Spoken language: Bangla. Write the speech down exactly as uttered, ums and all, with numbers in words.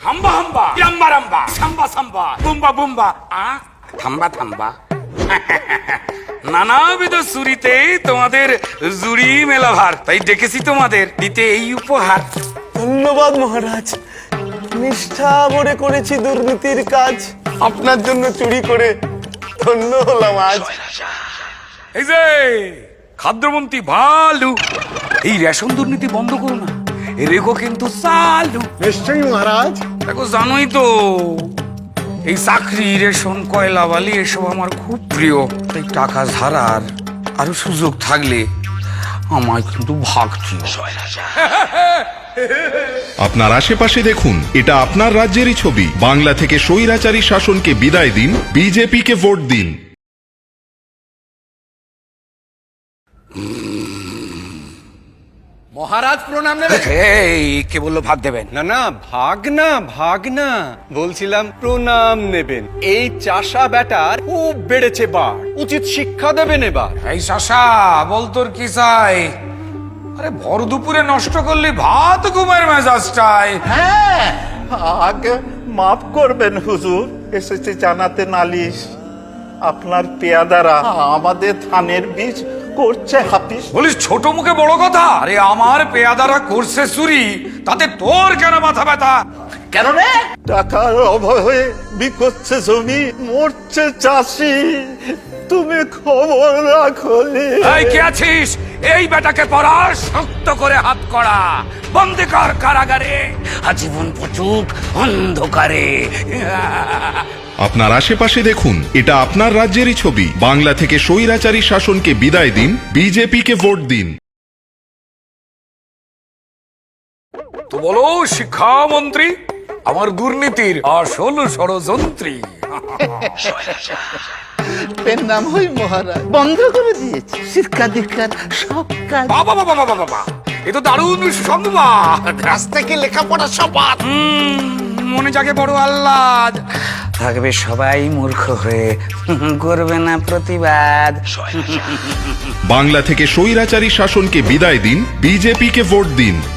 হাম্বা হাম্বা, রাম্বা রাম্বা, সাম্বা সাম্বা, বুম্বা বুম্বা, আ থাম্বা থাম্বা। নানাবিধ সুরিতে তোমাদের জুড়ি মেলাভার, তাই ডেকেছি তোমাদের দিতে এই উপহার। ধন্যবাদ মহারাজ, নিষ্ঠা ভরে করেছি দুর্নীতির কাজ, আপনার জন্য চুরি করে ধন্য হলাম আজ। এই যে খাদ্যমন্ত্রী ভালু, এই রেশন দুর্নীতি বন্ধ করো না, রেখো কিন্তু চালু। নিশ্চয়ই মহারাজ। দেখো জানোই তো এই চাকরি, রেশন, কয়লা বালি এসব আমার খুব প্রিয়, তাই টাকা ধারার আরো সুযোগ থাকলে আমায় কিন্তু ভাগ দিও। আপনার আশেপাশে দেখুন, এটা আপনার রাজ্যেরই ছবি। বাংলা থেকে স্বৈরাচারী শাসনকে বিদায় দিন, বিজেপিকে ভোট দিন। মহারাজ প্রণাম নেবেন। এই কে বললো ভাগ দেবেন? না না, ভাগ না ভাগ না, বলছিলাম প্রণাম নেবেন। এই চাষা ব্যাটার খুব বেড়েছে বার, উচিত শিক্ষা দেবেন এবার। এই শাসা বল তোর কি চাই? আরে ভর দুপুরে নষ্ট করলি ভাত ঘুমের মেজাজটাই। হ্যাঁ, আগে মাফ করবেন হুজুর, এসেছে জানাতে নালিশ। আপনার পেয়াদারা আমাদের ধানের বীজ করছে হাফিস। বলিস ছোট মুখে বড় কথা? আরে আমার পেয়াদারা করছে চুরি, তাতে তোর কেন মাথা ব্যথা? কেন রে? টাকার অভাবে বিকোচ্ছে জমি, মরছে চাষি, তুমি খবর রাখলি। এই কে আছিস? এই বেটাকে পড়া, শক্ত করে হাত করা, বন্দি কর কারাগারে, আজীবন পচুক অন্ধকারে। আপনার আশেপাশে দেখুন, এটা আপনার রাজ্যেরই ছবি। বাংলা থেকে স্বৈরাচারী শাসনকে বিদায় দিন, বিজেপিকে ভোট দিন। তো বলো শিক্ষামন্ত্রী, আমার দুর্নীতির আসল ষড়যন্ত্রী। পেন নাম হই মহারাজ, বন্ধ করে দিয়েছে শিক্ষা দীক্ষার সব কাজ। বাবা বাবা বাবা বাবা, এ তো দারুণ সংবাদ। আজ থেকে লেখাপড়া সব বাদ। হুম, মনে জাগে বড় আহ্লাদ। থাকবে সবাই মূর্খ হয়ে, করবে না প্রতিবাদ। বাংলা থেকে স্বৈরাচারী শাসনকে বিদায় দিন, বিজেপিকে ভোট দিন।